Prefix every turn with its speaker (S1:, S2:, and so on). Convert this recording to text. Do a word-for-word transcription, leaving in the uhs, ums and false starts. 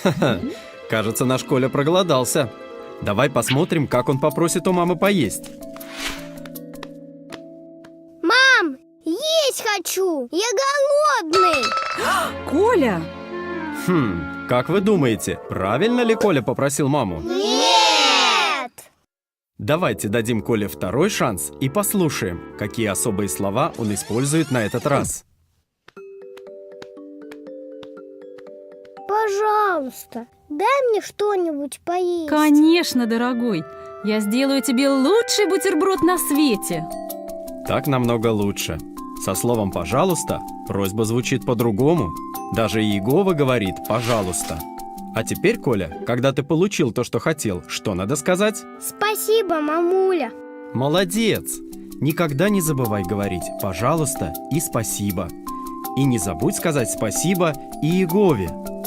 S1: Кажется, наш Коля проголодался. Давай посмотрим, как он попросит у мамы поесть.
S2: Мам, есть хочу! Я голодный!
S3: Коля!
S1: Хм, как вы думаете, правильно ли Коля попросил маму?
S2: Нет!
S1: Давайте дадим Коле второй шанс и послушаем, какие особые слова он использует на этот раз.
S2: Пожалуйста, дай мне что-нибудь поесть.
S3: Конечно, дорогой. Я сделаю тебе лучший бутерброд на свете.
S1: Так намного лучше. Со словом «пожалуйста» просьба звучит по-другому. Даже Иегова говорит «пожалуйста». А теперь, Коля, когда ты получил то, что хотел, что надо сказать?
S2: Спасибо, мамуля.
S1: Молодец! Никогда не забывай говорить «пожалуйста» и «спасибо». И не забудь сказать спасибо Иегове.